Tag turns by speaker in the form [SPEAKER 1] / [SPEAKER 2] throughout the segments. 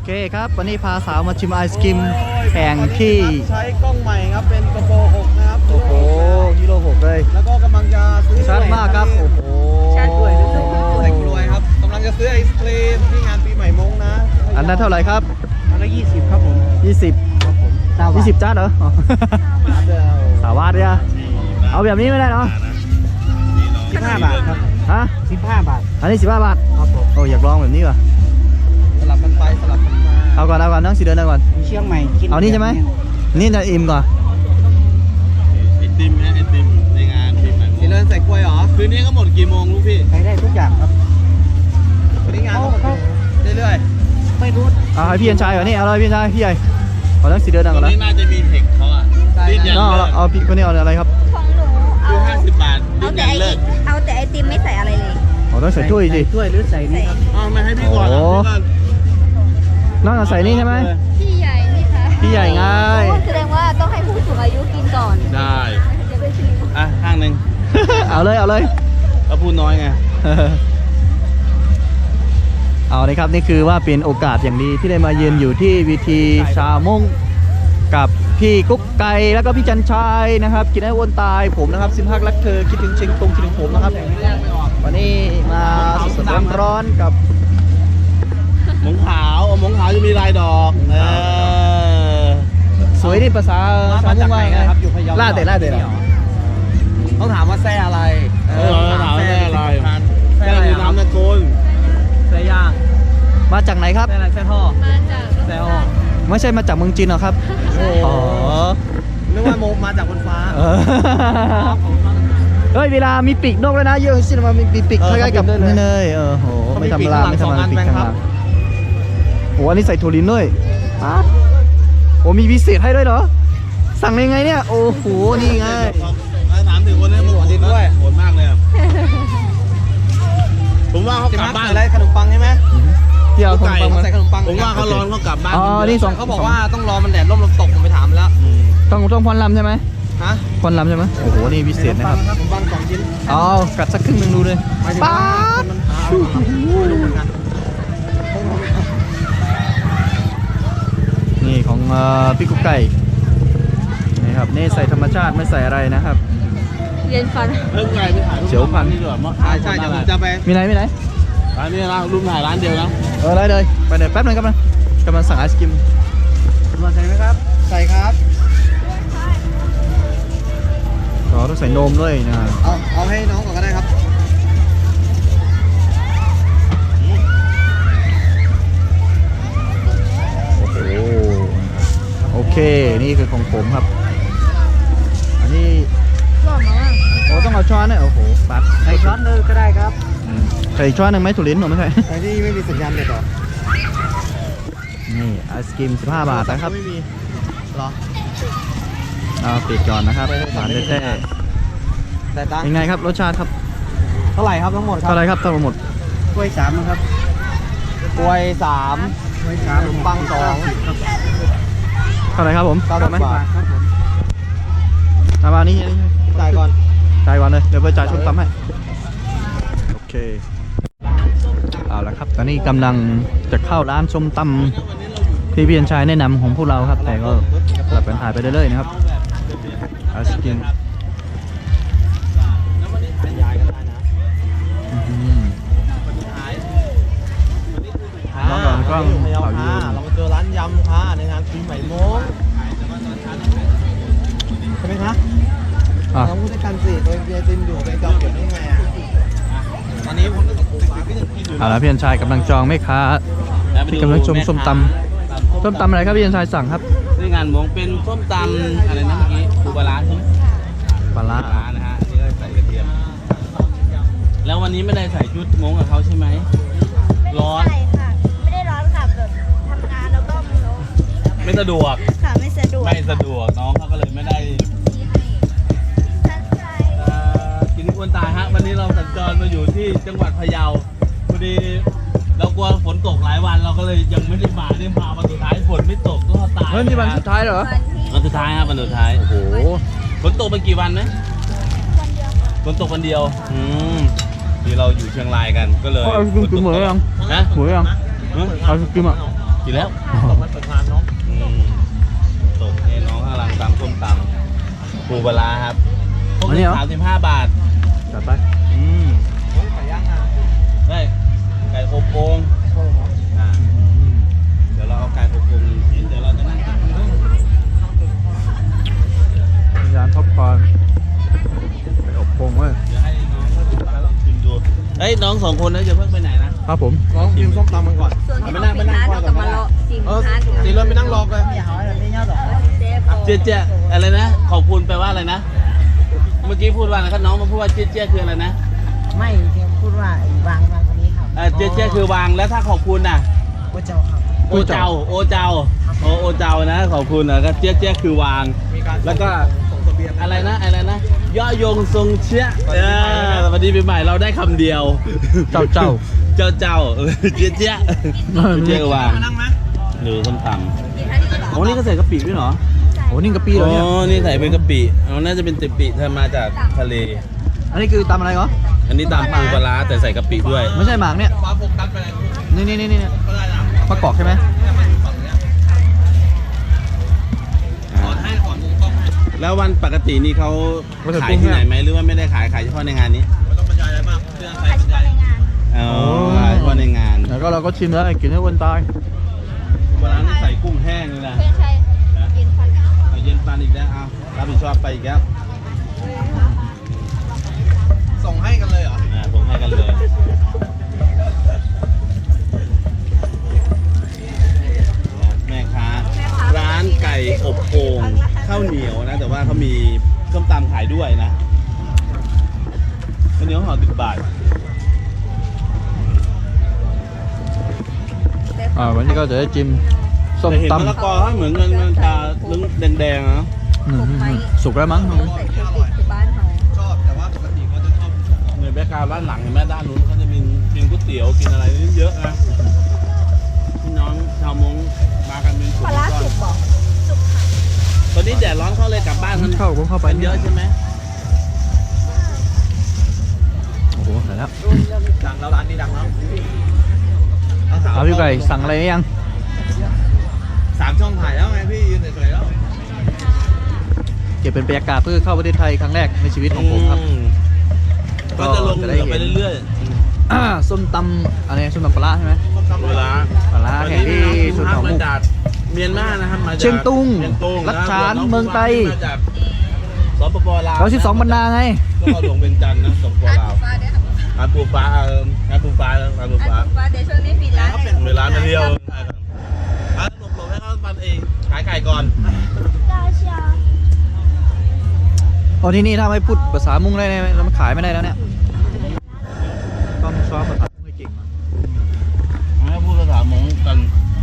[SPEAKER 1] เคครับวันนี้พาสาวมาชิมไอศกรีมแข่งที่
[SPEAKER 2] ใช้กล้องใหม่ครับเป็นกระโปรง6นะครับ
[SPEAKER 1] โอ้โหฮีโร่6เลย
[SPEAKER 2] แล้วก็กำลังจะซื้อ
[SPEAKER 1] ชัดมากครับโอ้โห
[SPEAKER 2] ชัดด้วยใส่กล้วยครับกำลังจะซื้อไอศครีมที่งานปีใหม่มงนะ
[SPEAKER 1] อันนั้นเท่าไหร่ครับ
[SPEAKER 2] อันละ20ครับผม
[SPEAKER 1] 20
[SPEAKER 2] ครับผม
[SPEAKER 1] 20จ้าเหรอสาวาดเนี่ยเอาแบบนี้ไม่ได้เนาะ
[SPEAKER 2] 15 บาทครับ
[SPEAKER 1] ฮะ
[SPEAKER 2] 15 บาท
[SPEAKER 1] อันนี้15 บาท
[SPEAKER 2] ครับผม
[SPEAKER 1] โอ้อยากลองแบบนี้ว่ะ
[SPEAKER 2] สลับกันไปสลับกันมา
[SPEAKER 1] เอาก่อนน้องสีเดินก่อน
[SPEAKER 2] เชียงใหม่กิน
[SPEAKER 1] เอานี่ใช่ไหมนี่จะอิ่มก่อน
[SPEAKER 3] ไอติมนะไอติมในงานปีใหม่
[SPEAKER 2] สีเดินใส่กล้วยเหรอ
[SPEAKER 3] คืนนี้ก็หมดกี่โมงลูกพี่
[SPEAKER 2] ใช้ได้ทุกอย่างครับวันนี้งานเขาเรื่อยๆไม่รู้
[SPEAKER 1] เอาให้พี่ยันชายก่อนนี่เอาเลยพี่ยันชายพี่ใหญ่เอาทั้งสีเดินก่อน
[SPEAKER 3] ตรงนี้น่าจะมีเทคเขาอ่ะดิ้นยันเลิก
[SPEAKER 1] เอาพี่คนนี้เอาอะไรครับ
[SPEAKER 4] ของหนูเอา
[SPEAKER 3] 50 บาทดิ้นยันเลิก
[SPEAKER 4] เอาแต่ไอติมไม่ใส่อะไรเลย
[SPEAKER 1] เอาต้องใส่ถ้วยสิ
[SPEAKER 2] ถ้วยหรือใส่นี่ครับ
[SPEAKER 3] อ๋อไม่ให้พี่ก่อน
[SPEAKER 1] น้องเอาใส่นี่ใช่ไหม
[SPEAKER 4] พี่ใหญ่นี่ค่ะ
[SPEAKER 1] พี่ใหญ่ไง
[SPEAKER 4] แสดงว่าต้องให้ผู้สูงอายุกินก่อน
[SPEAKER 3] ได้อ่ะข้างหนึ่ง
[SPEAKER 1] เอาเลย
[SPEAKER 3] แล้วพูดน้อยไง
[SPEAKER 1] เอาเลยครับนี่คือว่าเป็นโอกาสอย่างดีที่ได้มาเยือนอยู่ที่วิธีชามงกับพี่กุ๊กไก่แล้วก็พี่จันชัยนะครับกินให้อ้วนตายผมนะครับซิมฮักรักเธอคิดถึงเชียงตุงคิดถึงผมนะครับวันนี้มาสดๆร้อนๆกับ
[SPEAKER 3] หมงขาวหมงขาวจะมีลายดอก
[SPEAKER 1] สวยนี่ภาษาชาวมุ่งว่าไงครับอยู่พะเยาล่าเตะ
[SPEAKER 2] ต้องถามว่าแซ่อะไร
[SPEAKER 3] ถามว่าแซ่อะไรแซ่คือน้ำตะโกน
[SPEAKER 2] แซ่ย่าง
[SPEAKER 1] มาจากไหนครับ
[SPEAKER 2] แซ่อะไรแซ่ท่อ
[SPEAKER 4] มาจาก
[SPEAKER 2] แซ่ท่อ
[SPEAKER 1] ไม่ใช่มาจากเมืองจีนหรอครับอ๋อ
[SPEAKER 2] นึกว่าโมมาจากบนฟ้า
[SPEAKER 1] เฮ้ยเวลามีปีกนกแล้วนะเยอะสิมามีปีกคล้ายๆกับนี่เลยโหไม่ธรรมดาปีกข้างหลังโอ้อันนี้ใส่ถั่วลินด้วยโอ้มีพิเศษให้ด้วยเหรอสั่งยังไงเนี่ยโอ้โหนี่ไง
[SPEAKER 3] ถามถึงคนนี้มันโหดด้วยโหดมากเลยผมว่าเขากลับบ้าน
[SPEAKER 2] อะไรขนมปังใช่ไหม
[SPEAKER 1] ที่เอาขนมปัง
[SPEAKER 2] ใส่ขนมปัง
[SPEAKER 3] ผมว่าเขาร้อนเขากลับบ้าน
[SPEAKER 1] อ๋อนี่2
[SPEAKER 2] เขาบอกว่าต้องรอมันแดดร่มลมตกผมไปถามแล้ว
[SPEAKER 1] ต้องพรลำใช่ไหม
[SPEAKER 2] ฮะ
[SPEAKER 1] พรลำใช่ไหมโอ้โหนี่พิเศษนะครับ
[SPEAKER 2] ขนมปัง2 ชิ้น
[SPEAKER 1] เอากัดสักครึ่งนึงดูเลยป๊าบนี่ของพี่กุ๊กไก่นี่ครับนี่ใส่ธรรมชาติไม่ใส่อะไรนะครับ
[SPEAKER 4] เย็นฟัน
[SPEAKER 3] เพิ่งไก่ไปถ่ายรูป
[SPEAKER 1] เฉียวพัน
[SPEAKER 3] นี่ด้วย
[SPEAKER 2] ใช่จะไป
[SPEAKER 1] มีไหน
[SPEAKER 3] ร้านนี้นะรูปถ่ายร้านเดียวนะ
[SPEAKER 1] ได้เลยไปเดี๋ยวแป๊บนึงครับกำลังสั่งไอศกรีม
[SPEAKER 2] มาใส่ไหมครับใส่ครับ
[SPEAKER 1] ต้องใส่นมด้วยนะ
[SPEAKER 2] เอาให้น้องก่อนก็ได้ครับ
[SPEAKER 1] โอเคนี่คือของผมครับอันนี้โอ้ต้องเอาช้อนเนี่ยโอ้โหปัด
[SPEAKER 2] ใส่ช้อนเลยก็ได้ครับ
[SPEAKER 1] ใส่ช้อนหนึ่งไหมถั่วลิ้นหรือไม่ใช่
[SPEAKER 2] ไอ้นี่ไม่มีสัญญาณเด็ดหรอ
[SPEAKER 1] นี่ไอศกรีม15 บาทนะครับ
[SPEAKER 2] ไม่มีหรอ
[SPEAKER 1] ปิดก่อนนะครับหวานแท้ๆยังไงครับรสชาติครับ
[SPEAKER 2] เท่าไหร่ครับทั้งหมด
[SPEAKER 1] เท่าไหร่ครับทั้งหมด
[SPEAKER 2] กล้วย3นะครับกล้วย3ขนมปัง2
[SPEAKER 1] เท่าไหร่ครับผม
[SPEAKER 2] 90 บาทครับผม
[SPEAKER 1] มานี่
[SPEAKER 2] จ่ายก่
[SPEAKER 1] อนเลยเดี๋ยวไปจ่ายชมตำให้โอเคเอาละครับตอนนี้กำลังจะเข้าร้านชมตำที่พี่ยันชายแนะนำของพวกเราครับแต่ก็สลับกันถ่ายไปเรื่อยๆนะครับไอศกรีมน้องก่อนกล้องเขายืน
[SPEAKER 2] เรามาเจอร้านยำค่ะในงานปีใหม่มงใช่ไหมคะเราพูดด้วยกันสิโดยเบียร์ติมอยู่เป็นจองเก็บได้ไงตอนนี้ผม
[SPEAKER 1] เอาละพี่ยันชายกำลังจองแม่ค้าที่กำลังชมส้มตำอะไรครับพี่ยันชายสั่งครับ
[SPEAKER 3] ที่งานมงเป็นส้มตำอะไรนะเมื่อกี้ปูปลาร้าใช่ไหม
[SPEAKER 1] ปลาร้า
[SPEAKER 3] นะฮะนี่ก็ใส่กระเทียมแล้ววันนี้ไม่ได้ใส่ชุดมงกับเขาใช่ไหมร้อน
[SPEAKER 4] ไม่ได้ร้อนค่ะแบบทำงานแล้วก็
[SPEAKER 3] ไม่สะดวก
[SPEAKER 4] ค่ะไม่สะดวก
[SPEAKER 3] น้องเขาก็เลยไม่ได้กินอ้วนตายฮะวันนี้เราสัญจรมาอยู่ที่จังหวัดพะเยาพอดีเรากลัวฝนตกหลายวันเราก็เลยยังไม่ได้มาเนี่ยมาวันสุดท้ายฝนไม่ตกก็ตาย
[SPEAKER 1] เฮ้ยนี่วันสุดท้ายเหรอ
[SPEAKER 3] วันสุดท้ายครับวันสุดท้าย
[SPEAKER 1] โอ้โห
[SPEAKER 3] ฝนตกไปกี่วันนะฝนตกวันเดียวที่เราอยู่เชียงรายกันก็เลย
[SPEAKER 1] เอากินเหมือนยัง
[SPEAKER 3] นะ
[SPEAKER 1] เหมือนยังเอากินอ่ะ
[SPEAKER 3] กินแล้ว
[SPEAKER 2] ตกมาประทานน้อง
[SPEAKER 3] ตกให้น้องข้างหลังตำส้มตำปูปลาร้าครับพวก
[SPEAKER 1] อัน
[SPEAKER 3] นี้
[SPEAKER 1] นี้เหรอ
[SPEAKER 3] 35 บาท
[SPEAKER 1] จัดไป
[SPEAKER 2] ไก่ย่างงาน
[SPEAKER 3] ได้ไก่อบโอ่งอ่าเดี๋ยวเราเอาไก่อบโอ่ง1 ชิ้นเดี๋ยวเราจะนั่งกินกัน
[SPEAKER 1] ร้านท็อปคอร์นไปอบพงเว้ย
[SPEAKER 3] เดี๋ยวให้น้องเขาลองชิมดูเฮ้ยน้อง2 คนนะจะเพิ่งไปไหนนะครับ
[SPEAKER 1] ผม
[SPEAKER 2] น้องกินส้มตำกันก่อน
[SPEAKER 4] ส่วนที่เราไปร้านเราก็มาเลาะซิม
[SPEAKER 2] เออ
[SPEAKER 4] ร้าน
[SPEAKER 2] ตีเลยไปนั่งรอกัน
[SPEAKER 3] เจ๊เจ๊อะไรนะขอบคุณแปลว่าอะไรนะเมื่อกี้พูดว่าอะไรครับน้องมาพูดว่าเจ๊เจ๊คืออะไรนะ
[SPEAKER 5] ไม่เพียงพูดว่าวางคนนี้ครับ
[SPEAKER 3] เจ๊เจ๊คือวางแล้วถ้าขอบคุณน่ะ
[SPEAKER 5] พระเจ้าครับ
[SPEAKER 3] โอเจ้าโอเจ้าโอเจ้านะขอบคุณนะก็เจ๊เจ๊คือวาง
[SPEAKER 2] มีการ
[SPEAKER 3] แล้วก็
[SPEAKER 2] ส่งเสบียง
[SPEAKER 3] อะไรนะย่อยงทรงเชี่ยสวัสดีปีใหม่เราได้คำเดียว
[SPEAKER 1] เจ้า
[SPEAKER 3] เจ้าเจ๊เจ๊เจ๊วาง
[SPEAKER 2] มานั่งไหม
[SPEAKER 3] หรือส้มต
[SPEAKER 4] กินท่านี้ก่อน
[SPEAKER 3] ำโอ้นี่ก็ใส่กะปิด้วยเหรอ
[SPEAKER 1] โอ้นี่กะปิเหรอเนี่ย
[SPEAKER 3] อ๋อนี่ใส่เป็นกะปิอ๋อน่าจะเป็นกะปิทำมาจากทะเล
[SPEAKER 1] อันนี้คือตำอะไรเหรอ
[SPEAKER 3] อันนี้ตามปูปลาร้าแต่ใส่กะปิด้วย
[SPEAKER 1] ไม่ใช่หมากเนี่ย
[SPEAKER 2] ฟ้าโฟกัสไปเลย
[SPEAKER 1] นี่
[SPEAKER 2] ก็ได้นะ
[SPEAKER 1] มะกอกใช่ไหม
[SPEAKER 2] เนี่ยมันอยู่ฝั่งเนี้ยขอให้ขอมุมกล้องให้
[SPEAKER 3] แล้ววันปกตินี่เขาขายที่ไหนไหมหรือว่าไม่ได้ขายเฉพาะในงานนี้
[SPEAKER 2] ไม่ต้องบรรยายอะไรมากเรื่องใคร
[SPEAKER 4] ขาย
[SPEAKER 2] บรร
[SPEAKER 4] เฉ
[SPEAKER 2] ยาย
[SPEAKER 4] พาะในงาน
[SPEAKER 3] อ๋อขายเฉพาะในงาน
[SPEAKER 1] แล้วก็เราก็ชิมแล้วกินให้อ้วนตาย
[SPEAKER 3] ปลาร้านี่ใส่กุ้งแห้งเลยนะ
[SPEAKER 4] เพื่อนใช้กินฟัน
[SPEAKER 3] เอาเย็นฟันอีกแล้วเอารับผิดชอบไปอีกแล้ว
[SPEAKER 2] ส่งให้กันเลยเหรอ
[SPEAKER 3] ส่งให้กันเลยแม่ค้าร้านไก่อบโอ่งข้าวเหนียวนะ แต่ว่าเขามีส้มตำขายด้วยนะข้าวเหนียวห่อ10 บาท
[SPEAKER 1] วันนี้ก็จะได้จิ้มส้ม
[SPEAKER 3] แต่เห็น
[SPEAKER 1] ตำ
[SPEAKER 3] มะละกอเขาเหมือนมันจะลึงแดงๆนะ
[SPEAKER 1] สุกแล้วมั้ง
[SPEAKER 4] ใส่เครื่องติดคือบ้านเขา
[SPEAKER 2] ชอบแต่ว่าปกติเขาจะชอบ
[SPEAKER 3] ในแบ็คกราวด์ด้านหลังเห็นไหมด้านนู้นเขาจะมีกินก๋วยเตี๋ยวกินอะไรนี่เยอะนะพี่น้องชาวมงมากันเป็นกลุ่
[SPEAKER 4] ป
[SPEAKER 3] ม
[SPEAKER 4] ลาร้า
[SPEAKER 3] ก้อ
[SPEAKER 4] สุ
[SPEAKER 3] น
[SPEAKER 4] กบอกสุกค่ะ
[SPEAKER 3] ตอนนี้แดดร้อนเขาเลยกลับบ้านกัน
[SPEAKER 1] ผมเข้าไป
[SPEAKER 3] กันเยอะใช่ไหม
[SPEAKER 1] โอ้โหเสร็จแล้ว
[SPEAKER 2] ดังแล้วร้านนี้ดังแล้ว
[SPEAKER 1] เอาพี่ไก่สั่งอะไรยัง
[SPEAKER 2] 3 ช่องถ่ายแล้วไงพี่ยืนเฉยๆแล้ว
[SPEAKER 1] เก็บเป็นบรรยากาศเพื่อเข้าประเทศไทยครั้งแรกในชีวิตของผมครับ
[SPEAKER 3] ก็จะลง
[SPEAKER 1] จะ
[SPEAKER 3] เห
[SPEAKER 1] ได้
[SPEAKER 3] นือ
[SPEAKER 1] เห็น
[SPEAKER 3] ไปเรื่อย
[SPEAKER 1] ส้มตำอะไรส้มตำปลาร้าใช่ไหม
[SPEAKER 3] ๆเวลา
[SPEAKER 1] ปลาร้าแห่งที่สุดของ
[SPEAKER 3] มา
[SPEAKER 1] มุก
[SPEAKER 3] จากเมียนมานะครับมาจาก
[SPEAKER 1] เชียงตุง
[SPEAKER 3] เชียงตุง
[SPEAKER 1] ลัดฉาน
[SPEAKER 3] ะ
[SPEAKER 1] เมืองไทย
[SPEAKER 3] มาจากสปปลาว
[SPEAKER 1] เรา12 บรรดาไง
[SPEAKER 3] ก็เข้าหลวงเป็นจันทร์นะสปป
[SPEAKER 4] ร้าน
[SPEAKER 3] ลาว
[SPEAKER 4] ฟ้าด้วยค่ะ
[SPEAKER 3] ร้านปูฟ้าร้านปูฟ้าร้านปูฟ้า
[SPEAKER 4] ร้านฟ้าเดี๋ยวช่วงนี้ปิดร้านให้
[SPEAKER 3] เวลามาเที่ยวร้านหลบๆให้เขาปันเองขายไก่ก่อน
[SPEAKER 4] เจ้าเชียว
[SPEAKER 1] อ๋อที่นี่ถ้าไม่พูดภาษามุ้งได้ไหมเรามันขายไม่ได้แล้วเนี่ยต้องซ้อมภาษามุ้งให้เก่งมา
[SPEAKER 3] ให้พูดภาษามงกัน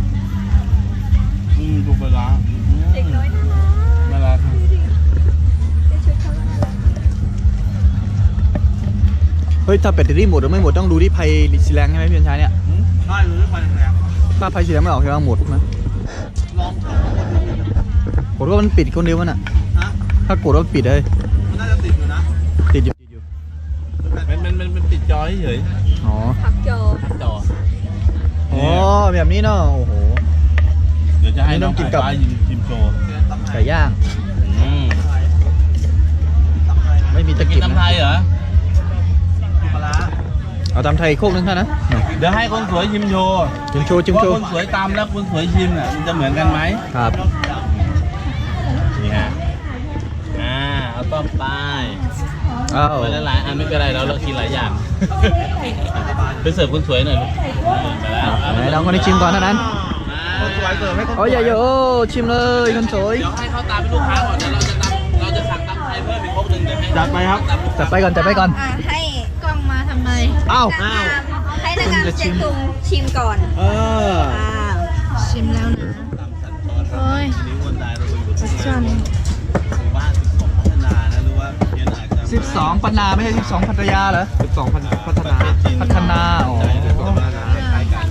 [SPEAKER 3] ดูเวลา
[SPEAKER 4] เด็กน้อยน่ารัก
[SPEAKER 3] น่ารัก
[SPEAKER 4] ดูดิเดี๋ยวชุดเขาก็น่ารัก
[SPEAKER 1] เฮ้ยถ้าเป็ดที่หมดหรือไม่หมดต้องดูที่ไพสีแรงใช่ไหมพี่ชันชัยเนี่ย
[SPEAKER 2] ใช่หรือไฟแรง
[SPEAKER 1] ถ้าไพสีแรงไม่ออกใช่ไหมหมดนะ
[SPEAKER 2] ลองถามคนดูนะ
[SPEAKER 1] กดว่ามันปิดคนเดียวมันอ่ะ
[SPEAKER 2] ฮะ
[SPEAKER 1] ถ้ากดว่ามันปิดเลย
[SPEAKER 2] มันน่าจะติดอยู่นะ
[SPEAKER 1] ติดอยู่
[SPEAKER 3] มันปิดจอเฉย
[SPEAKER 1] อ๋อ
[SPEAKER 4] พับโจ
[SPEAKER 3] จอ
[SPEAKER 1] อ๋อแบบนี้เนาะโอ้โห
[SPEAKER 3] เดี๋ยวจะให้น้อง
[SPEAKER 1] นี่ต้องกินกับ
[SPEAKER 3] ฟ้ายิมโชว์
[SPEAKER 2] ตำไท
[SPEAKER 1] ไก่
[SPEAKER 2] ย
[SPEAKER 1] ย่าง
[SPEAKER 2] ตำไทย
[SPEAKER 1] ไม่มีตะ
[SPEAKER 3] จะกิ
[SPEAKER 1] กิ
[SPEAKER 3] น
[SPEAKER 1] บ
[SPEAKER 3] น้ำไท
[SPEAKER 1] นะ
[SPEAKER 3] ยเหรอ
[SPEAKER 2] ปลาร้า
[SPEAKER 1] เอาตำไทยโคกนึงเท่านะ
[SPEAKER 3] เดี๋ยวให้คนสวยชิมโชว์
[SPEAKER 1] จิ้มโชว์จิ้ม
[SPEAKER 3] ว่า
[SPEAKER 1] โชว์
[SPEAKER 3] คนสวยตามแล้วคนสวยชิมน่ะมันจะเหมือนกันไหม
[SPEAKER 1] ครับ
[SPEAKER 3] นี่ฮะเอาต้มไป
[SPEAKER 1] อ้าว
[SPEAKER 3] ไปหลายๆอันไม่เป็นไรเรากินหลายอย่างไปเสิร์ฟคนสวยหน่อยลูกไปแล้ว
[SPEAKER 1] ไหนลองคนนี้ชิมก่อนเท่านั้น
[SPEAKER 2] คนสวยเสิร์ฟให้คน
[SPEAKER 1] โอ้ยอย่าโอ้ชิมเลยคนสวย
[SPEAKER 3] เดี๋ยวให้เขาตามเป็นลูกค้าก่อนเดี๋ยวเราจะสั่งตำไทยเพิ่มอีกครบหนึ่งเดี๋ยวให้
[SPEAKER 1] จัดไปครับจัดไปก่อนจัดไปก่อน
[SPEAKER 4] ให้กล้องมาทำไม
[SPEAKER 1] อ้าว
[SPEAKER 4] ให้นางงามเจ๊ตุงชิมก่อน
[SPEAKER 1] เออ
[SPEAKER 4] ชิมแล้วนะ โอ้ย
[SPEAKER 3] นิ้วคนตายเราไปอยู่ที่หมู่บ้าน12พัฒนานะหรือว่าเพี้ยนอาจจะ
[SPEAKER 1] 12 ปันนาไม่ใช่12 พัทยาเหรอ12 พัฒนาพัฒนาอ๋อ
[SPEAKER 3] ใช่12พัฒนาคล้ายๆกัน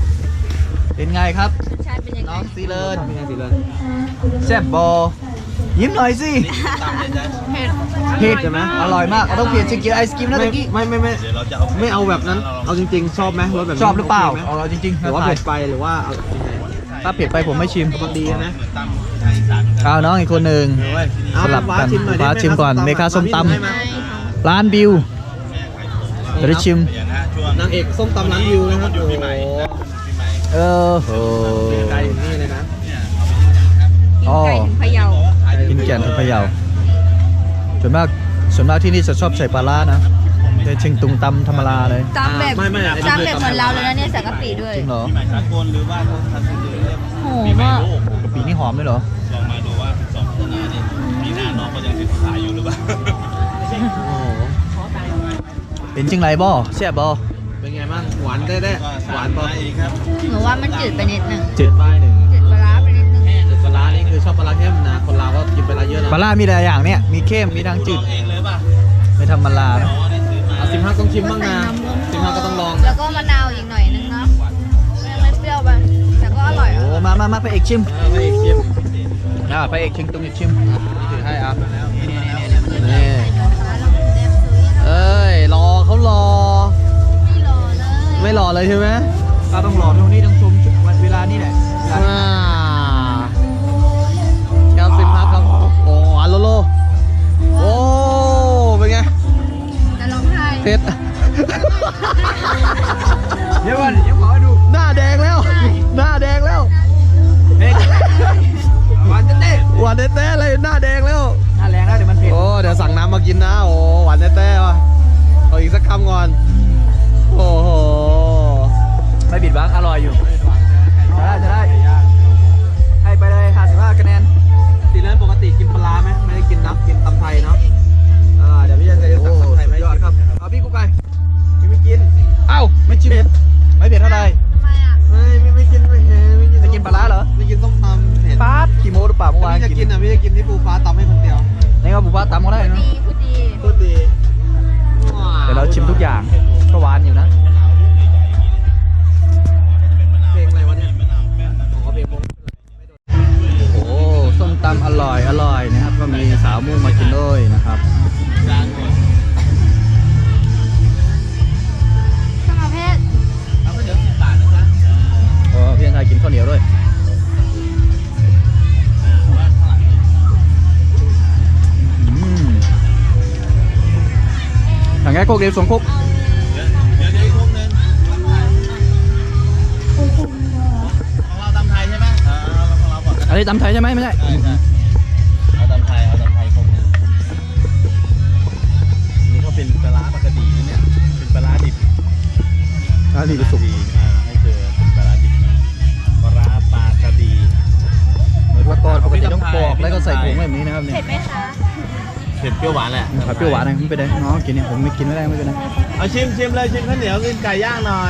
[SPEAKER 1] เป็นไงครับ
[SPEAKER 4] ใช่เป็นยังไง
[SPEAKER 1] น้องซีเลินแซ่บบอยิ้มหน่อยสิ
[SPEAKER 3] ตามเลยจ้ะ
[SPEAKER 4] เผ็ด
[SPEAKER 1] เผ็ดใช่ไหมอร่อยมากเราต้องเปลี่ยนชิคกี้ไอศกรีมนะตะกี้
[SPEAKER 2] ไม่
[SPEAKER 3] เดี๋ยวเราจะเอา
[SPEAKER 2] ไม่เอาแบบนั้น เอาจริงๆ ชอบไหมรสแบบนี้
[SPEAKER 1] ชอบหรือเปล่า
[SPEAKER 2] โคไหม
[SPEAKER 1] เอาจริงๆ
[SPEAKER 2] หรือว่าเผ็ดไปหรือว่าเอายังไง
[SPEAKER 1] ถ้าเผ็ดไปผมไม่ชิม
[SPEAKER 2] บางดีนะ
[SPEAKER 3] เหมือนตามทางอีสานเหมือนกัน
[SPEAKER 1] เอาน้องอีกคนหนึ่ง
[SPEAKER 2] เอา
[SPEAKER 1] สลับกัน
[SPEAKER 2] ชิมหน่อยดิ
[SPEAKER 1] ฟ้าชิมก่อน
[SPEAKER 2] แ
[SPEAKER 1] เมคาส้มตำ
[SPEAKER 2] ให้า
[SPEAKER 1] ร้านบิวจะได้ชิม
[SPEAKER 3] อย่างนะช่วง
[SPEAKER 2] นางเอกส้มตำร้านวิวนะครับ
[SPEAKER 3] อยู่
[SPEAKER 2] โอ้
[SPEAKER 3] ปี
[SPEAKER 2] โห
[SPEAKER 3] ใหม่นะปีใหม่
[SPEAKER 1] เออโห
[SPEAKER 2] ไก่นี่เลยนะ
[SPEAKER 3] เนี่ยเอาไปย่างครับ
[SPEAKER 1] อ๋อ
[SPEAKER 4] กินไก่ถึงพะเยา
[SPEAKER 1] กินแกนทุกพะเยาส่วนมากที่นี่จะชอบใส่ปลาร้านะแต่เชียงตุงตำธรรมดาเลย
[SPEAKER 4] จำแบบ
[SPEAKER 2] ไม่
[SPEAKER 4] จำแบบเหมือนเราเลยนะเนี่ยใส่กะปิด้วย
[SPEAKER 1] จริงเหรอ
[SPEAKER 3] ปีใหม่สากลหรือว่าทันทีเรียก
[SPEAKER 4] โห
[SPEAKER 3] ปีใหม่
[SPEAKER 4] มาก
[SPEAKER 3] โลก
[SPEAKER 1] กะปินี่หอมด้วยเหรอ
[SPEAKER 3] ลองมาดูว่าสองคนนี้นี่ปีหน้าน้องก็ยังติดสายอยู่หรือเปล่า
[SPEAKER 2] โอ้โห
[SPEAKER 1] เป็นจังไรบ่แซ่บบ่
[SPEAKER 2] เป็นไงบ้างหวานได้ห
[SPEAKER 3] หวาว
[SPEAKER 2] าน น
[SPEAKER 3] ป
[SPEAKER 2] ปะ
[SPEAKER 3] อีกครับ
[SPEAKER 4] หนูว่ามันจืดไปนิดนึง
[SPEAKER 1] จืด
[SPEAKER 2] ป้ายหนึ่ง
[SPEAKER 4] จืดปลาร้าไปนิดนึง
[SPEAKER 2] แต่ปลาร้านี่คือชอบปลาร้าเข้มนะ คนลาวก็กินปลาร้าเยอะนะ
[SPEAKER 1] ปลาร้ามีหลายอย่างเนี่ยมีเข้มมีดังจืด
[SPEAKER 3] ลองเองเลยป่ะ
[SPEAKER 1] ไม่ธรรมดานะ
[SPEAKER 3] อ๋อนี่ซื้อมา
[SPEAKER 2] อ่ะ15ต้องชิมบ้างนะ15ก็ต้องลอง
[SPEAKER 4] แล้วก็มะนาวอีกหน่อยนึงเนาะไม่เปรี้ยวไปแต่ก็อร่อย
[SPEAKER 1] โอ้มาพระเอกชิม
[SPEAKER 2] พระเอกชิม
[SPEAKER 1] พระเอกชิมตรงนี้ชิม
[SPEAKER 2] ถือให้อ่ะ
[SPEAKER 1] นี่
[SPEAKER 2] นี่เอ้ย รอเขารอ
[SPEAKER 4] ไม่รอเลย
[SPEAKER 2] ไม่รอเลยใช่ไหม
[SPEAKER 1] ก็ต้องรอตรงนี้ต้องชมเวลานี่แหละ
[SPEAKER 2] แคลซิมครับครับ โอ้หวานโลโล โอ้ เป็นไง
[SPEAKER 4] จะร้องไห้
[SPEAKER 2] เผ็ด
[SPEAKER 1] เดี๋ยวก่อนขอให้ดู
[SPEAKER 2] หน้าแดงแล้ว หน้าแดงแล้ว
[SPEAKER 1] เผ็ดหวานเต้
[SPEAKER 2] หวานแต้ๆเลยหน้าแดงแล้ว
[SPEAKER 1] หน้าแรงแล้วเดี๋ยวมันเผ็ด
[SPEAKER 2] โอ้ เดี๋ยวสั่งน้ำมากินนะ โอ้ หวานแต้ๆว่ะเอาอีกสักคำก่อน โอ้โห
[SPEAKER 1] ไม่บิดบังอร่อยอยู่จะได้ให้ไปเลย55คะแนน
[SPEAKER 2] ตีเล่นปกติกินปลาร้าไหมไม่ได้กินน้ำกินตำไทยเนาะเดี๋ยวพี่จะสั่งตำไทยไหม
[SPEAKER 1] ยอดครับเอาพี่กุ๊กไก่
[SPEAKER 2] พี่ไม่กิน
[SPEAKER 1] เอ้าไม่ชิมไม่เผ็ดเท่าไหร่
[SPEAKER 4] ทำไมอ่ะ
[SPEAKER 2] ไม่กินไม่เห็นไม่กิน
[SPEAKER 1] จะกินปลาร้าเหรอ
[SPEAKER 2] ไม่กินส้มตำเผ็ด
[SPEAKER 1] ป๊าดกี่โมหรือเปล่าเมื่อวาน
[SPEAKER 2] พี่จะกินอ่ะพี่จะกินที่ปูฟ้าตำให้คนเดียว
[SPEAKER 1] นี่ก็บุฟเฟ่ตำก็ได้นะ
[SPEAKER 4] ดีพูดดี
[SPEAKER 2] พูดดี
[SPEAKER 1] เดี๋ยวเราชิมทุกอย่างก็หวานอยู่นะ
[SPEAKER 2] เพลงอะไรวะเนี่ยอ๋อเพลงผม
[SPEAKER 1] โอ้ส้มตำอร่อยนะครับ ก็มีสาวมุ่งมากินด้วยนะครับ
[SPEAKER 4] สมเพศ
[SPEAKER 3] เอาก็เดี๋ยว10 บาทนะจ๊ะ
[SPEAKER 1] พี่ชายกินข้าวเหนียวด้วยถังแก๊สโคกเดียวสองโคก
[SPEAKER 3] เดี๋ยวอีกทุ่มนึงของเราตำไทยใช่ไหมของเราก่อนก็
[SPEAKER 1] อัน
[SPEAKER 3] ได้
[SPEAKER 1] นี้ตำไทยใช่ไหมไม่ใช่
[SPEAKER 3] เอาตำไทยคงนึงนี่เขาเป็นปลาร้าปลากระดีนะเนี่ยเป็นปลาร้าดิบ
[SPEAKER 1] อันนี้จะสุก
[SPEAKER 3] ให้เจอเป็นปลาร้าดิบนะปลาร้าปลากระดี
[SPEAKER 1] เหมือนว่าก่อนปกติต้องปอกแล้วก็ใส่ถุงแบบนี้นะครับเนี่ย
[SPEAKER 4] เผ็ดไหมคะ
[SPEAKER 3] เผ็ดเปรี้ยวหวานแหละ
[SPEAKER 1] ผัดเปรี้ยวหวานนะไม่เป็นไรน้องกินเนี่ยผมไม่กินไม่ได้ไม่เป็นไร
[SPEAKER 3] เอาชิมเลยชิมข้าวเหนียวกินไก่ย่างหน่อย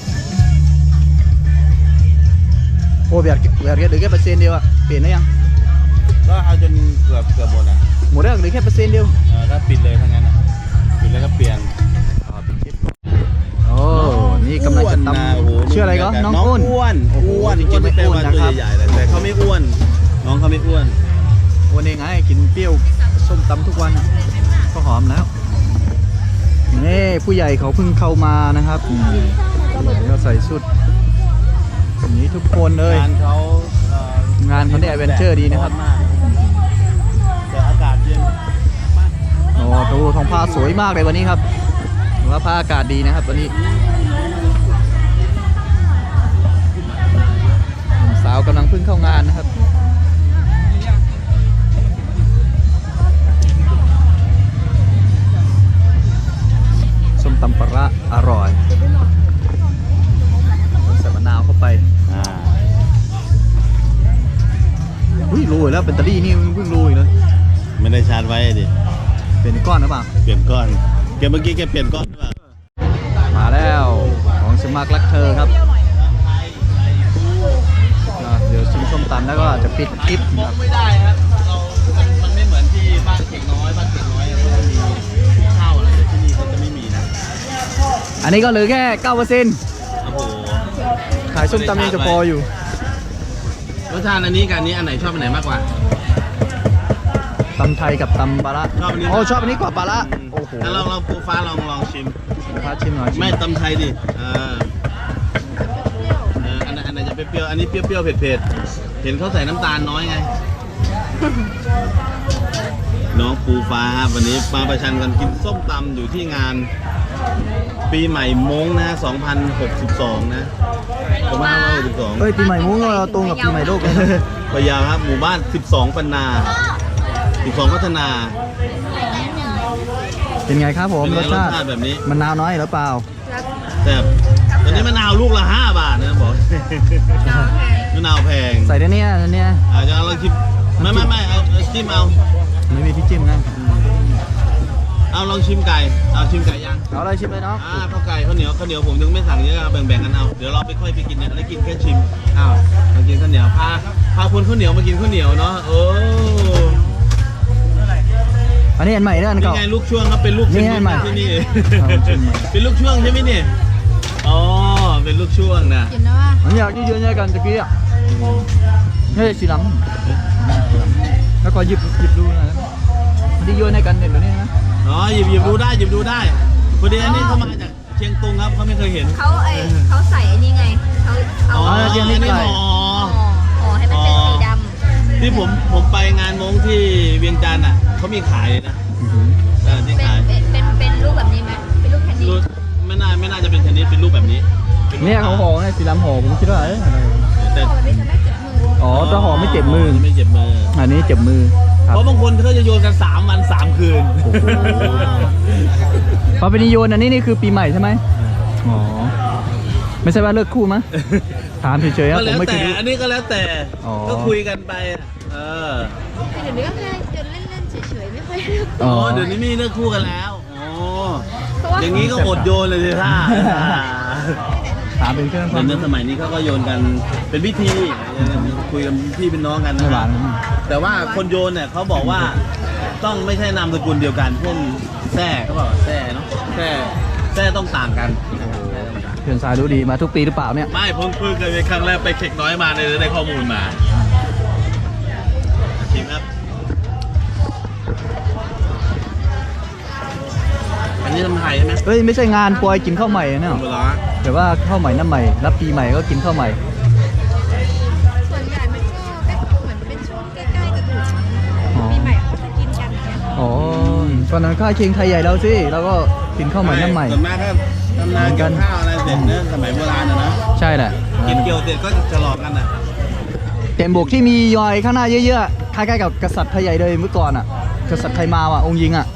[SPEAKER 1] โอ้แบบเหลือแค่เปอร์เซ็นต์เดียวอะเปลี่ยนได้ยัง
[SPEAKER 3] ก็เอาจนเกือบหมดอ่ะ
[SPEAKER 1] หมดแล้วเหลือแค่เปอร์เซ็นต์เดียว
[SPEAKER 3] ก็ปิดเลยทั้งนั้นอ่ะปิดแล้วก็เปลี่ยน
[SPEAKER 1] โอ้นี่กำลังจะตำชื่ออะไรก็น้องอ้น
[SPEAKER 3] อ้วน
[SPEAKER 1] โอ้โหจริงๆไม่อ้วนนะครับ
[SPEAKER 3] ตัวใหญ่ๆแต่เขาไม่อ้วน น้องเขาไม่อ้วน
[SPEAKER 1] วันเองไงกินเปรี้ยวส้มตำทุกวันอะก็หอมแล้วนี่ผู้ใหญ่เขาเพิ่งเข้ามานะครับก็ใส่ชุดแบบนี้ทุกคนเลย
[SPEAKER 3] งานเขา
[SPEAKER 1] งานเขาเนี่ยแอดเวนเจอร์ดีนะครับ
[SPEAKER 3] มากแต่อากาศเย็น
[SPEAKER 1] โอ้ดูท้องผ้าสวยมากเลยวันนี้ครับถือว่าผ้าอากาศดีนะครับวันนี้หนุ่มสาวกำลังเพิ่งเข้างานนะครับส้มตำปลาร้าอร่อยใส่มะนาวเข้าไปอุ้ยโรยแล้วแบตเตอรี่นี่เพิ่งโรยเลย
[SPEAKER 3] ไม่ได้ชาร์จไว้ดิ
[SPEAKER 1] เป็นก้อนหรือเปล่า
[SPEAKER 3] เปลี่ยนก้อนเมื่อกี้แกเปลี่ยนก้อนหรือเปล่า
[SPEAKER 1] มาแล้วของสมัครรักเธอครับเดี๋ยวชิมส้มตำแล้วก็จะปิดคลิปนะครับ
[SPEAKER 3] ไม่ได้ครับมันไม่เหมือนที่บ้านเก่งน้อยเขาจะมีข้าวอะไรแต่ที่นี่เขาจะไม่มีนะ
[SPEAKER 1] อันนี้ก็เหลือแค่ 9%
[SPEAKER 3] โอ้โห
[SPEAKER 1] ขายส้มตำยังจะพออยู่
[SPEAKER 3] รสชาติอันนี้กับอันนี้อันไหนชอบอันไหนมากกว่า
[SPEAKER 1] ำไทยกับตำปลาร้า
[SPEAKER 3] ชอบอันนี้
[SPEAKER 1] โอ้ชอบอันนี้กว่าปลาร้าโอ้โห
[SPEAKER 3] ถ้าเราปูฟ้าลองชิม
[SPEAKER 1] พาชิมหน่อย
[SPEAKER 3] ไม่ตำไทยดิอันไหนจะเปรี้ยวๆอันนี้เปรี้ยวๆเผ็ดๆเห็นเขาใส่น้ำตาลน้อยไง น้องปูฟ้าครับวันนี้มาประชันกันกินส้มตำอยู่ที่งานปีใหม่ม้งนะ2062นะ2562
[SPEAKER 1] เฮ้ยปีใหม่มุ้งเราตรงกับปีใหม่โลกเลยนะ
[SPEAKER 3] พะเยาครับหมู่บ้าน12ปันนา12พัฒนา
[SPEAKER 1] เป็นไงครับผม
[SPEAKER 3] เป็น
[SPEAKER 1] ร
[SPEAKER 3] ไง
[SPEAKER 1] สชาติ
[SPEAKER 3] รสชาติแบบนี้
[SPEAKER 1] มะนาวน้อยหรือเปล่า
[SPEAKER 3] แต่ตอนนี้มะนาวลูกละ5 บาทนะบอก มะนาวแพง
[SPEAKER 1] ใส่ได้เนี่ยอันเนี้ย
[SPEAKER 3] อาจจะลองชิมไม่เอาจิ้มเอา
[SPEAKER 1] ไม่มีที่จิ้มนะ
[SPEAKER 3] เอาลองชิมไก่เอาชิมไก่ย่าง
[SPEAKER 1] เอาอะไรชิมเลยเนาะ
[SPEAKER 3] ข้าวไก่ข้าวเหนียวผมถึงไม่สั่งเยอะแบ่งกันเอาเดี๋ยวเราไปค่อยไปกินเนี่ยแล้วกินแค่ชิมอ้าวมากินข้าวเหนียวพาคนข้าวเหนียวมากินข้าวเหนียวเนาะโอ้
[SPEAKER 1] อันนี้อันใหม่เนี่ยอัน
[SPEAKER 3] นี่
[SPEAKER 1] เก่า
[SPEAKER 3] ไงลูกช่วงครับเป็นลูก
[SPEAKER 1] นี่
[SPEAKER 3] ชิ้น
[SPEAKER 1] ไงใหม่
[SPEAKER 3] ที่นี่
[SPEAKER 1] เอาชิมใหม่
[SPEAKER 3] เป็นลูกช่วงใช่ไหมเนี่ยอ๋อเป็นลูกช่วงนะ
[SPEAKER 4] กินนะว่า
[SPEAKER 1] มันอยากยืนๆกันตะกี้อ่ะนี่สีดำแล้วก็หยิบดูนะมันที่โยนให้กันเด็ดแบบนี้นะ
[SPEAKER 3] อ๋อหยิบดูได้พอดีอันนี้เขามาจากเชียงตุงครับเขาไม่เคยเห็น
[SPEAKER 4] เขาใส่อันนี้ไงเขาเอา
[SPEAKER 3] อ๋ออันนี้ห่อ
[SPEAKER 4] ห่อให้มันเป็นสีดำ
[SPEAKER 3] ที่ผมไปงานมงที่เวียงจันทร์อ่ะเขามีขายเลยนะที่ขาย
[SPEAKER 4] เป็นรูปแบบนี้ไหมเป็นรูปแคนดี้
[SPEAKER 3] รูปไม่น่าจะเป็นชนิดเป็นรูปแบบนี้
[SPEAKER 1] เนี่ยเขาห่อเนี่ยสีดำห่อผมคิดว่าเอ้ยอะไร
[SPEAKER 3] แต่
[SPEAKER 4] ห่อแบบนี้จะไม่เจ็บมือ
[SPEAKER 1] อ๋อถ้าห่อไม่เจ็บมือ
[SPEAKER 3] ไม่เจ็บมือ
[SPEAKER 1] อันนี้เจ็บมือครับ
[SPEAKER 3] เพราะบางคนเขาจะโยนกัน3 วัน 3 คืน
[SPEAKER 1] โอ้โห พอเป็นนิโยนอันนี้นี่คือปีใหม่ใช่ไหมอ๋อ ไม่ใช่ว่าเลิกคู่มั้ยถามเฉยๆครับ
[SPEAKER 3] ก็
[SPEAKER 1] ผ
[SPEAKER 3] แล้
[SPEAKER 1] ม
[SPEAKER 3] ว
[SPEAKER 1] ไม่เค
[SPEAKER 3] แต่
[SPEAKER 1] ยดู
[SPEAKER 3] อันนี้ก็แล้วแต่
[SPEAKER 1] อ๋อ
[SPEAKER 3] ก็คุยกันไป
[SPEAKER 4] เดี๋ยวนี้ก็แค่จะเล่นๆเฉยๆไม่ค่อยเลือก
[SPEAKER 1] อ๋อ
[SPEAKER 3] เดี๋ยวนี้มีเลิกคู่กันแล้วโอ้
[SPEAKER 4] เพราะว่า
[SPEAKER 3] อย่างนี้ก็อดโยนเลยสิท่า
[SPEAKER 1] ถามเป็นเครื่องความ
[SPEAKER 3] ในสมัยนี้เขาก็โยนกันเป็นพิธีคุยกันพี่เป็นน้องกัน
[SPEAKER 1] ไม่
[SPEAKER 3] นะ
[SPEAKER 1] หวาน
[SPEAKER 3] แต่ว่าคนโยนเนี่ยเขาบอกว่าต้องไม่ใช่นามสกุลเดียวกันเช่นแท้เขาบอกว่าแท้เนาะแท้ต้องต่างกัน
[SPEAKER 1] เพื่อนสายรู้ดีมาทุกปีหรือเปล่าเนี่ย
[SPEAKER 3] ไม่เพิ่งเคยครั้งแรกไปเข็กน้อยมาเลยได้ข้อมูลมาชิมครับอันนี้ทำไทยใช่ไหม
[SPEAKER 1] เฮ้ยไม่ใช่งานปอยกินข้าวใหม่เนี่ย
[SPEAKER 3] เวลา
[SPEAKER 1] แต่ว่าข้าวใหม่น้ำใหม่รับปีใหม่ก็กินข้าวใหม่
[SPEAKER 4] ส่วนใหญ่มันก็เหมือนเป็นช่วงใกล้ๆกับหยุดปีใหม่เขาจะกินกันเนี่ย
[SPEAKER 1] อ๋อตอนนั้นข้าวเคียงไทยใหญ่เราสิเราก็กินข้าวใหม่น้ำใหม่
[SPEAKER 3] ส่วนมากก็ทำนาเกี่ยวข้าวอะไรเสร็จเนี่ยสมัยโบราณนะ
[SPEAKER 1] ใช่แหละ
[SPEAKER 3] กินเกี่ยวเสร็จก็จะหลอกกันอ่ะ
[SPEAKER 1] เต็มบกที่มียอยข้างหน้าเยอะๆคล้ายๆกับกษัตริย์ไทยใหญ่เลยเมื่อก่อนอ่ะ กษัตริย์ไทยมาอ่ะองค์ยิงอ่ะ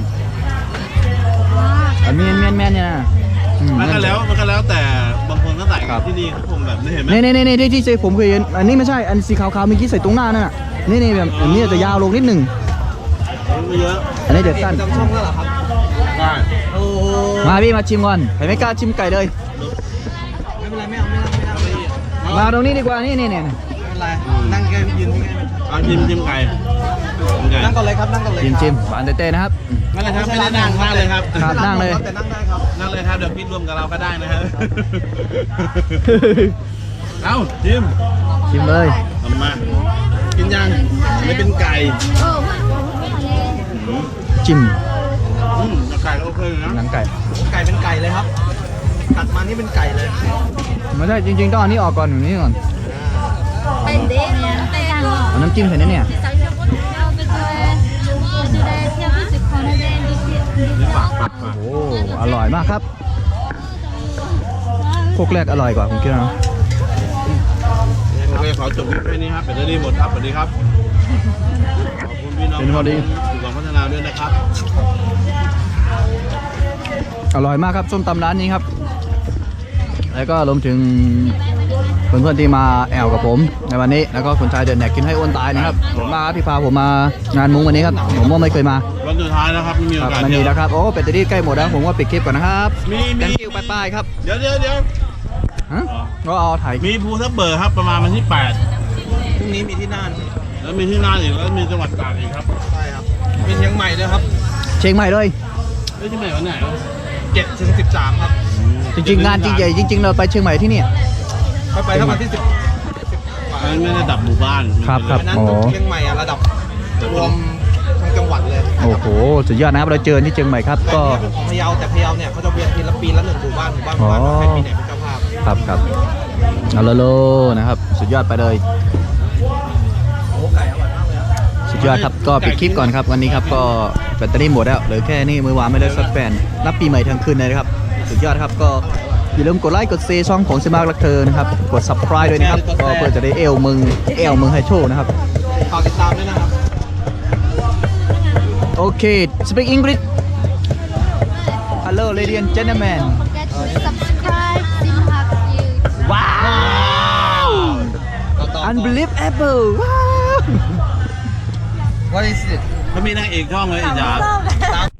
[SPEAKER 1] อันแม่นเนี่ยนะอื
[SPEAKER 3] มันก็แล้วแต่บางคนก็ใส่กันที่นี่เขาคงแบบนี้เห็นไหม
[SPEAKER 1] นี่ที่ผมเคยเห็นอันนี้ไม่ใช่อันสีขาวๆเมื่อกี้ใส่ตรงหน้านั่นน่ะนี่แบบอันนี้จะยาวลงนิดหนึ่ง
[SPEAKER 3] ไม่เยอะ
[SPEAKER 1] อันนี้เดี๋ยวสั้น
[SPEAKER 2] จำช่องแล้วเหรอครับ
[SPEAKER 3] ได้
[SPEAKER 2] โอ้
[SPEAKER 1] มาพี่มาชิมก่อนใครไม่กล้าชิมไก่เลย
[SPEAKER 2] ไม่เป็นไรไม่เอา
[SPEAKER 1] มาตรงนี้ดีกว่านี่
[SPEAKER 2] ไม่เป็นไรนั่งแกยืนที่ไง
[SPEAKER 3] เอาชิมไก่
[SPEAKER 2] นั่งก่อนเลยครับนั่งก่อนเลย
[SPEAKER 1] ชิมหวานเต้ๆนะครับ
[SPEAKER 3] นั่นเลยครับไม่ได้นั่งเลยครับ
[SPEAKER 1] ครับนั่งเลย
[SPEAKER 2] แต่นั่งได้ครับ
[SPEAKER 3] นั่งเลยครับเดี๋ยวพี่ร่วมกับเราก็ได้นะครับเอาชิม
[SPEAKER 1] ชิมเลย
[SPEAKER 3] ทำมากินยังไม่เป็นไก่
[SPEAKER 1] จิ้ม
[SPEAKER 3] ไก่ก็โอเคนะ
[SPEAKER 1] หนังไก่
[SPEAKER 2] ไก่เป็นไก่เลยครับกัดมานี่เป็นไก่เลย
[SPEAKER 1] ไม่ใช่จริงๆต้องเอานี้ออกก่อนอย่างนี้ก่อน
[SPEAKER 4] เป็นเด็กแต่ง
[SPEAKER 1] เอาน้ำจิ้มใส่นี่เนี่ย
[SPEAKER 3] นี่ฝาก
[SPEAKER 1] โอ้อร่อยมากครับโคกแรกอร่อยกว่าผมคิดนะ
[SPEAKER 3] โอเคขอจบคลิปแค่นี้ครับเป็นได้หมดครับสวัสดีครับขอบคุณพี่น้องสุขภาพพัฒนาด้วยนะครับ
[SPEAKER 1] อร่อยมากครับส้มตำร้านนี้ครับ แล้วก็รวมถึงเพื่อนๆที่มาแอลกับผมในวันนี้ แล้วก็คนชายเดินแหนกกินให้อ้วนตายนะครับผมมาครับที่พาผมมางานมุ้งวันนี้ครับผมว่าไม่เคยมา
[SPEAKER 3] วันสุดท้ายนะครับไม่มี
[SPEAKER 1] ค
[SPEAKER 3] โอ
[SPEAKER 1] รับ
[SPEAKER 3] กาส
[SPEAKER 1] มัน
[SPEAKER 3] เที่
[SPEAKER 1] มี
[SPEAKER 3] ยว
[SPEAKER 1] แล้วครับโอ้เป็ดตะดี้ใกล้หมดแล้วผมว่าปิดคลิปก่อนนะครับ
[SPEAKER 3] มี
[SPEAKER 1] thank you ป้ายๆครับ
[SPEAKER 3] เดี๋ยว
[SPEAKER 1] ฮะก็เอาถ่าย
[SPEAKER 3] มีภูทับเบิกครับประมาณวันที่
[SPEAKER 2] พรุ่งนี้มีที่น่าน
[SPEAKER 3] 8 แล้วมีที่น่านอีกแล้วมีจังหวัดตากอีกครับ
[SPEAKER 2] ใช่ครับมีเชียงใหม่ด้วยครับ
[SPEAKER 1] เชียงใหม่เลย
[SPEAKER 3] เอ้ยที่ไหนวันไหนวะ
[SPEAKER 2] 7 ถึง 13ครับ
[SPEAKER 1] จริงๆงานจริงใหญ่จริง ๆ เราไปเชียงใหม่ที่เนี่ย
[SPEAKER 2] ไปครับวันที่10
[SPEAKER 3] อันนั้นไม่ได้ดับหมู่บ้าน
[SPEAKER 1] ครับ
[SPEAKER 2] อันนั้น
[SPEAKER 1] อ๋อ
[SPEAKER 2] เชียงใหม่อะระดับรวมทั้ง
[SPEAKER 1] สุดยอดนะครับเราเจอที่เชียงใหม่ครับก็
[SPEAKER 2] เป็นของพะเยาแต่พะเยาเนี่ยเขาจะเวียนทีละปีละ1 หมู่บ้านใครปีไหนเป็นเจ้าภาพ
[SPEAKER 1] ครับเอาโลโลนะครับสุดยอดไปเลย
[SPEAKER 2] โอ้ไก่อร่อยมากเลยครับ
[SPEAKER 1] สุดยอดครับก็ปิดคลิปก่อนครับวันนี้ครับก็แบตเตอรี่หมดแล้วเหลือแค่นี้มือวางไม่ได้สักแผ่นรับปีใหม่ทั้งคืนเลยนะครับสุดยอดครับก็อย่าลืมกดไลค์กดแชร์ช่องของซิมากรักเธอนะครับกด subscribe ด้วยนะครับก็เพื่อจะได้เอลมึงให้โชว์นะครับ
[SPEAKER 2] ฝากติดตามด้วยนะครับ
[SPEAKER 1] โอเค speak English hello ladies and gentlemen
[SPEAKER 4] forget to subscribe Simhak YouTube
[SPEAKER 1] ว้าว unbelievable ว้าว
[SPEAKER 2] What is it
[SPEAKER 3] เขามีนางเอกช่องเลยอีจ๋า
[SPEAKER 4] ส้ม